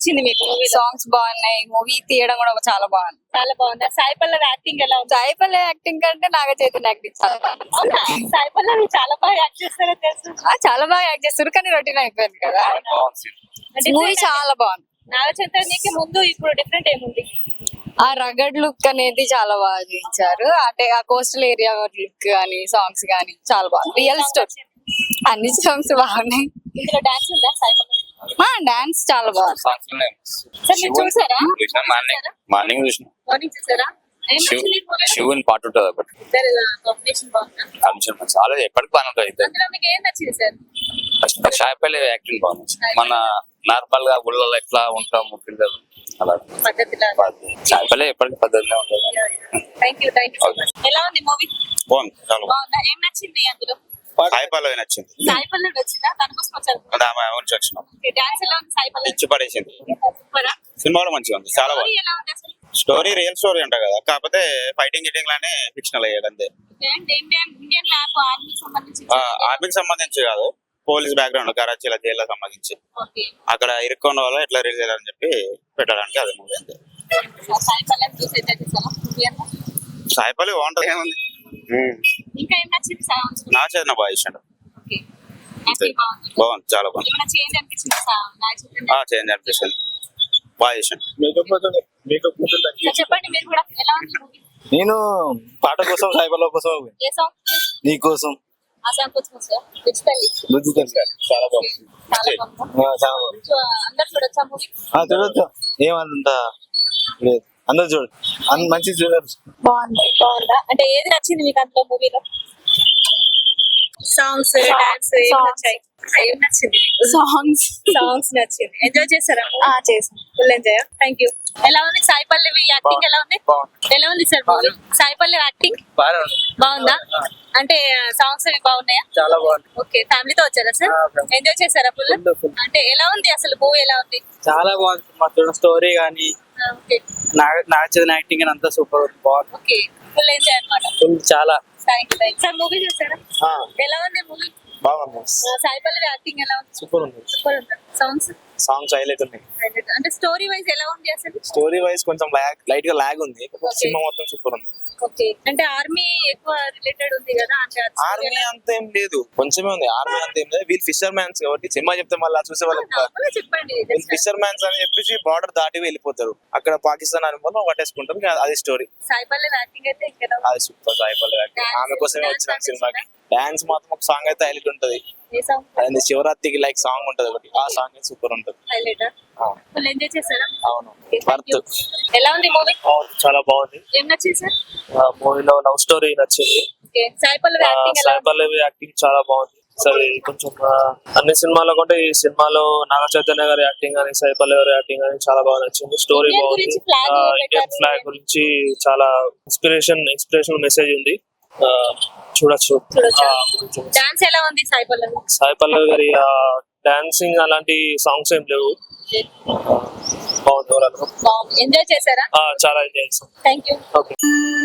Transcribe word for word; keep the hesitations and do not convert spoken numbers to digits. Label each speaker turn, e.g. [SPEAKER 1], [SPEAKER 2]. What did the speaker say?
[SPEAKER 1] నచ్చింది మీకు movie?
[SPEAKER 2] Songs బాగున్నాయి, మూవీ తీయడం కూడా చాలా బాగుంది.
[SPEAKER 1] చాలా బాగుందా? సాయి పల్లవి యాక్టింగ్ ఎలా ఉంది?
[SPEAKER 2] సాయి పల్లవి యాక్టింగ్ కంటే నాగ చైతన్య యాక్టింగ్ చాలా బాగుంది.
[SPEAKER 1] అవునా? సాయి పల్లవి చాలా బాగా యాక్ట్ చేస్తారో తెలుసు.
[SPEAKER 2] ఆ, చాలా బాగా యాక్ట్ చేస్తారు కానీ రొటీన్ అయిపోయింది కదా. మూవీ చాలా బాగుంది.
[SPEAKER 1] నాగ చైతన్యకి ముందు ఇప్పుడు డిఫరెంట్ ఏముంది?
[SPEAKER 2] ఆ రగడ్ లుక్ అనేది చాలా బాగా చూపించారు. అంటే ఆ కోస్టల్ ఏరియా లుక్ కానీ సాంగ్స్ కానీ చాలా బాగుంది. రియల్ స్టోరీ, అన్ని సాంగ్స్ బాగున్నాయి.
[SPEAKER 1] ఇందులో డాన్స్ ఉందా సాయి పల్లవి?
[SPEAKER 2] డాన్స్ చాలా బాగుంది.
[SPEAKER 1] సార్ మీరు చూసారా?
[SPEAKER 3] మార్నింగ్ చూసిన
[SPEAKER 1] మార్నింగ్ చూసారా? ఏం నచ్చింది మూవీలో?
[SPEAKER 3] శివుని పాట ఉంటుంది ఒకటి
[SPEAKER 1] ఇద్దరు కాంబినేషన్ బాగుందా?
[SPEAKER 3] కాంబినేషన్ మంచి చాలా ఎప్పటికి బాగా ఉంటుంది.
[SPEAKER 1] అందులో మీకు ఏం నచ్చింది సార్?
[SPEAKER 3] సాయి పల్లవి యాక్టింగ్ బాగుంది. మన నార్మల్ గా ఊళ్ళో ఎట్లా ఉంటాము పిల్లలు అలా
[SPEAKER 1] పద్ధతిలో.
[SPEAKER 3] సాయి పల్లవి ఎప్పటికీ పద్ధతిలో ఉంటుంది.
[SPEAKER 1] Thank you thank you so much. ఎలా ఉంది మూవీ?
[SPEAKER 3] బాగుంది, చాలా
[SPEAKER 1] బాగుందా? ఏం నచ్చింది అందులో?
[SPEAKER 3] సాయి పల్లవి నచ్చింది.
[SPEAKER 1] సాయి పల్లవి వచ్చిందా? దానికోసం వచ్చారు.
[SPEAKER 3] ఆమె నుంచి వచ్చినాం
[SPEAKER 1] డాన్స్ ఎలా ఉంది సాయి పల్లవి?
[SPEAKER 3] ఇచ్చి పడేసింది.
[SPEAKER 1] సూపరా?
[SPEAKER 3] సినిమాలో మంచిగా ఉంది, చాలా
[SPEAKER 1] స్టోరీ
[SPEAKER 3] బాగుంది.
[SPEAKER 1] ఎలా ఉంది అసలు?
[SPEAKER 3] స్టోరీ రియల్ స్టోరీ అంట కదా, కాకపోతే ఫైటింగ్ గిటింగ్ లానే ఫిక్షనల్ అయ్యాడు అంతే.
[SPEAKER 1] ఏంటి ఇండియన్ ఇండియన్ మ్యాప్ ఆర్మీకి సంబంధించి
[SPEAKER 3] ఆర్మీకి సంబంధించి కాదు, పోలీస్ బ్యాక్గ్రౌండ్ కరాచీలో జైల్లో సంబంధించి
[SPEAKER 1] ఓకే.
[SPEAKER 3] అక్కడ ఇరుక్కున్న వాళ్ళు ఎట్లా రిలీజ్ చేయాలని చెప్పి పెట్టడానికి అది మూవీ అంతే.
[SPEAKER 1] సాయి పల్లవి చూసి అయితే చూసారా మూవీ అంతా?
[SPEAKER 3] సాయి పల్లవి బాగుంటది, ఏముంది.
[SPEAKER 1] ఇంకా ఏం నచ్చింది సాంగ్స్?
[SPEAKER 3] నా చేసిన బాగా ఇచ్చాడు,
[SPEAKER 1] ఓకే. యాక్టింగ్ బాగుంది.
[SPEAKER 3] బాగుంది, చాలా బాగుంది.
[SPEAKER 1] ఏమైనా చేంజ్ అనిపించింది సాంగ్?
[SPEAKER 3] ఆ చేంజ్ అనిపిస్తుంది, బాగా చేసాను.
[SPEAKER 1] చెప్పండి మీరు కూడా ఎలా ఉంది మూవీ?
[SPEAKER 4] నేను పాట కోసం సాయి పల్లవి కోసం
[SPEAKER 1] ఏ సాంగ్?
[SPEAKER 4] నీ కోసం
[SPEAKER 1] ఆ సాంగ్ కోసం సార్ డిజిటల్లీ
[SPEAKER 4] రుచి తెలుసు చాలా బాగుంది.
[SPEAKER 1] చాలా బాగుంది.
[SPEAKER 4] ఆ, చాలా బాగుంది.
[SPEAKER 1] సో అందరు చూడొచ్చా మూవీ?
[SPEAKER 4] ఆ, చూడొచ్చు, ఏమంత లేదు, అందరు చూడు, అంత మంచి చూడచ్చు.
[SPEAKER 1] బాగుంది. బాగుందా? అంటే ఏది నచ్చింది మీకు అందులో మూవీలో? సాంగ్స్, డాన్స్ ఏం నచ్చాయి? ఏం నచ్చింది?
[SPEAKER 2] సాంగ్స్
[SPEAKER 1] సాంగ్స్ నచ్చింది. ఎంజాయ్ చేశారా?
[SPEAKER 2] చేసాం.
[SPEAKER 1] Full enjoy. Thank you. ఎలా ఉంది సాయి పల్లవి యాక్టింగ్? ఎలా ఉంది? ఎలా ఉంది sir movie? Sai Pallavi acting బాగుందా? అంటే సాంగ్స్ అవి బాగున్నాయా?
[SPEAKER 4] చాలా బాగుంది.
[SPEAKER 1] ఓకే. ఫ్యామిలీతో వచ్చారా సార్? ఎంజాయ్ చేశారా ఫుల్? అంటే ఎలా ఉంది అసలు మూవీ? ఎలా ఉంది?
[SPEAKER 4] చాలా బాగుంది. మొత్తం స్టోరీ కానీ
[SPEAKER 1] ఓకే.
[SPEAKER 4] నాగచైతన్య యాక్టింగ్ అని అంతా సూపర్ బాగుంది.
[SPEAKER 1] ఓకే. ఫుల్ ఎంజాయ్ అన్నమాట.
[SPEAKER 4] చాలా
[SPEAKER 1] thank you thank sir. Movie చూసారా? ఎలా ఉంది మూవీ?
[SPEAKER 4] బాగుంది,
[SPEAKER 1] సాయి పల్లవి యాక్టింగ్ ఎలా ఉంది?
[SPEAKER 4] సూపర్ ఉంది.
[SPEAKER 1] సూపర్ ఉంది. సాంగ్స్
[SPEAKER 4] సాంగ్స్ హైలైట్ ఉన్నాయి.
[SPEAKER 1] అంటే స్టోరీ వైజ్ ఎలా ఉంది అసలు?
[SPEAKER 4] స్టోరీ వైజ్ కొంచెం లాగ్ లైట్ గా లాగ్ ఉంది, సినిమా మొత్తం సూపర్ ఉంది.
[SPEAKER 1] ఓకే. అంటే ఆర్మీ ఎక్కువ రిలేటెడ్ ఉంది కదా, అంటే అది story
[SPEAKER 4] ఆర్మీ
[SPEAKER 1] ఎలా-
[SPEAKER 4] అంత ఏం లేదు, కొంచెమే ఉంది. ఆర్మీ అంత ఏం లేదు, వీళ్ళు ఫిషర్ మ్యాన్స్ కాబట్టి సినిమా చెప్తే మళ్ళీ చూసే వాళ్ళు
[SPEAKER 1] నార్మల్గా చెప్పండి.
[SPEAKER 4] వీళ్ళు ఫిషర్ మ్యాన్స్ అని చెప్పేసి బార్డర్ దాటి వెళ్ళిపోతారు, అక్కడ పాకిస్తాన్ అనుభవం పట్టేసుకుంటారు, ఇంకా అది స్టోరీ.
[SPEAKER 1] సాయి పల్లవి యాక్టింగ్ అయితే ఇంకా
[SPEAKER 4] అది super. Sai Pallavi acting,
[SPEAKER 1] Dance-
[SPEAKER 4] ఆమె కోసమే
[SPEAKER 1] dance
[SPEAKER 4] వచ్చిన
[SPEAKER 1] అంటే
[SPEAKER 4] సినిమాకి. డాన్స్ మాత్రం ఒక సాంగ్ అయితే హైలైట్ ఉంటది,
[SPEAKER 1] ఏ సాంగ్
[SPEAKER 4] అది శివరాత్రికి లైక్ సాంగ్ ఉంటది ఒకటి, ఆ సాంగ్ అయితే సూపర్ ఉంటది.
[SPEAKER 1] హైలైట్?
[SPEAKER 4] ఆ,
[SPEAKER 1] ఫుల్ ఎంజాయ్ చేశారా?
[SPEAKER 4] అవును,
[SPEAKER 1] Okay, thank you.
[SPEAKER 4] వర్త్.
[SPEAKER 1] ఎలా ఉంది మూవీ?
[SPEAKER 5] చాలా బాగుంది.
[SPEAKER 1] ఏం నచ్చింది సార్?
[SPEAKER 5] మూవీలో లవ్ స్టోరీ నచ్చింది.
[SPEAKER 1] ఓకే. సాయి పల్లవి యాక్టింగ్ ఎలా
[SPEAKER 5] సాయి
[SPEAKER 1] ఉంది?
[SPEAKER 5] పల్లవి యాక్టింగ్ చాలా బాగుంది. సరే కొంచెం ఆ, అన్ని సినిమాల్లో కంటే ఈ సినిమాలో నాగ చైతన్య గారి యాక్టింగ్ కానీ సాయి పల్లవి గారి యాక్టింగ్ కానీ చాలా బాగా నచ్చింది. స్టోరీ
[SPEAKER 1] Indian
[SPEAKER 5] బాగుంది.
[SPEAKER 1] గురించి flag
[SPEAKER 5] ఆ,
[SPEAKER 1] పెట్టారు.
[SPEAKER 5] ఇండియన్ ఫ్లాగ్ గురించి చాలా ఇన్స్పిరేషన్ ఇన్స్పిరేషనల్ మెసేజ్ ఉంది, ఆ, చూడొచ్చు.
[SPEAKER 1] చూడొచ్చా?
[SPEAKER 5] ఆ, కొంచెం
[SPEAKER 1] డాన్స్ ఎలా ఉంది సాయి పల్లవి?
[SPEAKER 5] సాయి పల్లవి గారి డాన్సింగ్ అలాంటి సాంగ్స్ ఏం లేవు, బాగుంది. ఓవరాల్ గా
[SPEAKER 1] బాగుంది. ఎంజాయ్ చేశారా?
[SPEAKER 5] ఆ, చాలా ఎంజాయ్ చేస్తాం.
[SPEAKER 1] Thank you.
[SPEAKER 5] ఓకే.